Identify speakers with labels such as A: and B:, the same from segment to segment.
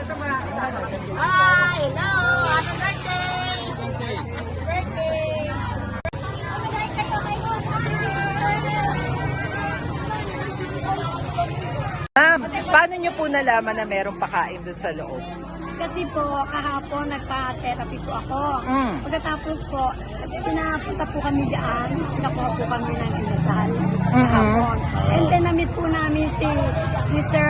A: Hi! Hello! Happy birthday! Birthday!
B: Ma'am, paano nyo po nalaman na merong pakain dun sa loob?
C: Kasi po, kahapon nagpa-therapy po ako. Pagkatapos po, pinapunta po kami dyan, nakuha po kami ng inasal kahapon. And then namit po namin si Sir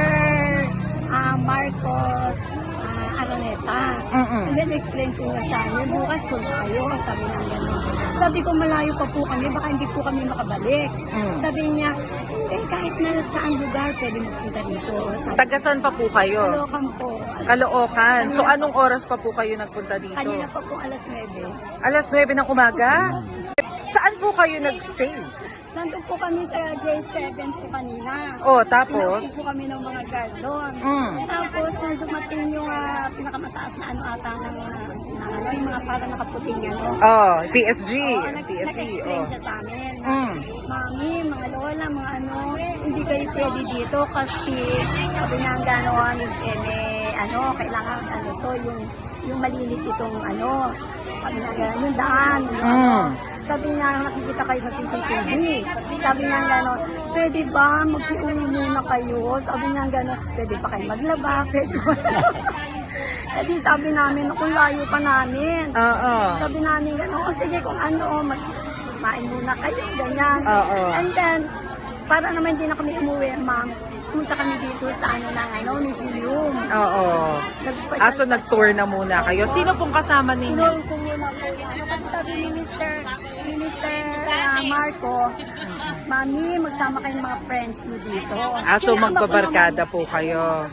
C: Marcos Araneta. And then explain po niya sa amin, bukas po tayo, sabi niya gano'n. Sabi ko malayo pa po kami, baka hindi po kami makabalik. Sabi niya, kahit na saan lugar, pwede magpunta dito.
B: Tagasan pa po kayo?
C: Caloocan po.
B: Caloocan. So anong oras pa po kayo nagpunta dito?
C: Kanina pa po alas 9.
B: Alas 9 ng umaga? Saan po kayo nagstay?
C: Nandun po kami sa grade 7 po kanina.
B: Oh, tapos?
C: Pinaupo po kami ng mga guard doon. Tapos nung dumating yung pinakamataas na ano ata ng yung mga parang nakaputing ano.
B: Oh, PSG. PSG.
C: Nag-explain siya sa amin. Mami, mga lola, mga ano, hindi kayo pwede dito kasi sabi niya ang gano'n, kailangan ano to, yung malinis itong ano, sabi niya gano'n, yung daan, sabi niya, nakikita kayo sa CCTV. Sabi niya gano'n, pwede ba magsiuwi muna kayo? Sabi niya gano'n, pwede pa kayo maglaba, pwede ba? Eh di sabi namin, kung layo pa namin. Sabi namin gano'n, sige kung ano, magmain muna kayo, ganyan. And then, para naman hindi na kami umuwi, ma'am, punta kami dito sa museum.
B: So nag-tour na muna kayo. Sino pong kasama ninyo?
C: Tinulong ko muna po. Sabi ni Mr. Marco, Mami, magsama kayong mga friends mo dito.
B: So magbabarkada po kayo.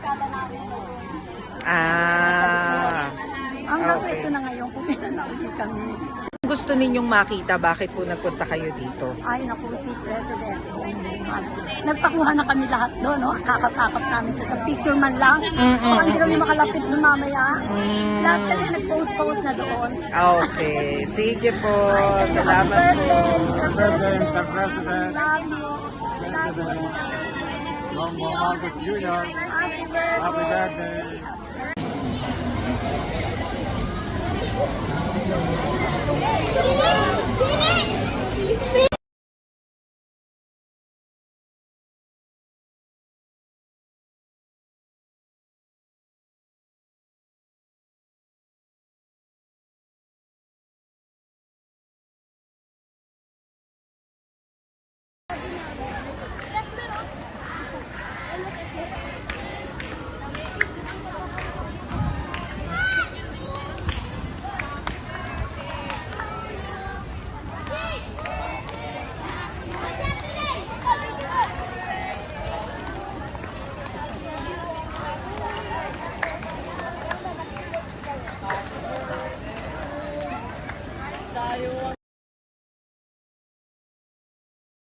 C: Hanggang ito na ngayon, puminanaulit kami.
B: Gusto ninyong makita, bakit po nagpunta kayo dito?
C: Ay, naku, si President. Nagpakuha na kami lahat doon, no? Kakap-kakap namin sa picture man lang. Baka hindi kami makalapit doon mamaya. Lahat kami nag-post-post na doon.
B: Okay. Sige po. Salamat po.
D: Happy birthday, Mr. President.
C: Love you. Love you.
D: Bongbong Marcos Jr.
C: Happy birthday.
D: Happy birthday.
A: Tayo